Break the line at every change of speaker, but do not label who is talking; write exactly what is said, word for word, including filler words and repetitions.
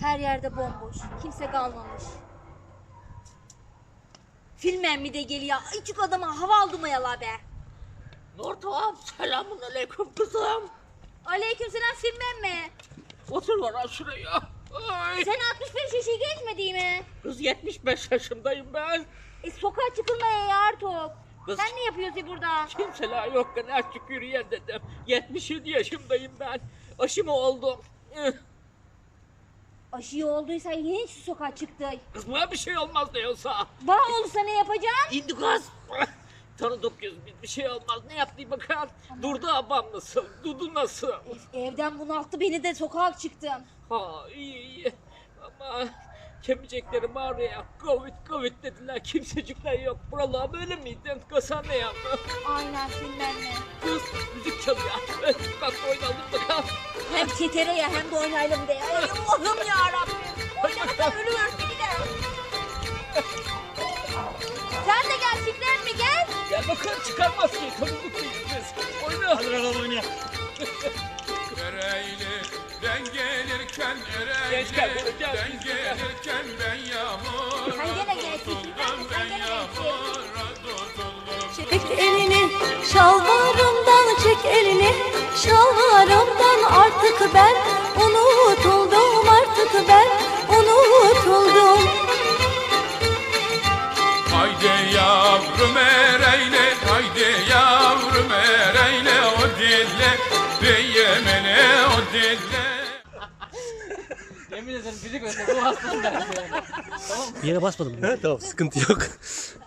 Her yerde bomboş. Kimse kalmamış. Filmen mi de geliyor? Küçük adama hava aldı mı yala be?
Nurten, selamun aleyküm kızım.
Aleykümselam filmen mi?
Otur bana şuraya. Ay.
Sen altmış beş yaşı geçmedi mi?
Kız yetmiş beş yaşındayım ben.
E sokağa çıkılmaya ya artık.
Kız-
Sen ne yapıyorsun burada?
Kimseler yokken açık yürüyen dedim. yetmiş yedi yaşındayım ben. Aşımı oldum. Eh,
Aşı olduysa yine şu sokağa çıktı.
Kız bana bir şey olmaz diyorsa.
Bana olursa ne yapacaksın?
İndi kız. Tanıdık yüz bir, bir şey olmaz. Ne yaptı bakalım. Durdu abam nasıl? Dudu nasıl?
E, evden bunalttı beni de sokağa çıktım.
Ha iyi iyi. Ama kemiceklerim ağrıyor. Covid covid dediler. Kimsecikler yok. Buralar böyle miydin? Kasa ne yaptı?
Aynen filmen mi?
Kız müzik çalıyor. Eh, Bak oynayalım bakalım.
Hem tetere ya hem de oynayalım de ya. Ay Allah'ım yarabbim. Oynamasam ölüyoruz bir de. Sen de gel filmen mi gel?
Gel bakalım çıkarmaz ki. Tanıdık mıyız biz? Oyna.
Hadi bakalım oynayalım.
Ereğli'den gelirken
Genç gel,
Ereğli'den
gel, gel.
gelirken ben yağmura
Sen gene gelsin,
tutuldum,
sen
ben
gene gelsin.
yağmura tutuldum.
Çek elini şalvarımdan, çek elini şalvarımdan. Artık ben unutuldum, artık ben unutuldum.
Haydi yavrum Ereğli, haydi yavrum Ereğli, o dille Beyemene o dille.
Yemin ederim fizik ötesi bu hastalığım ben.
Bir yere basmadım. Tamam sıkıntı yok.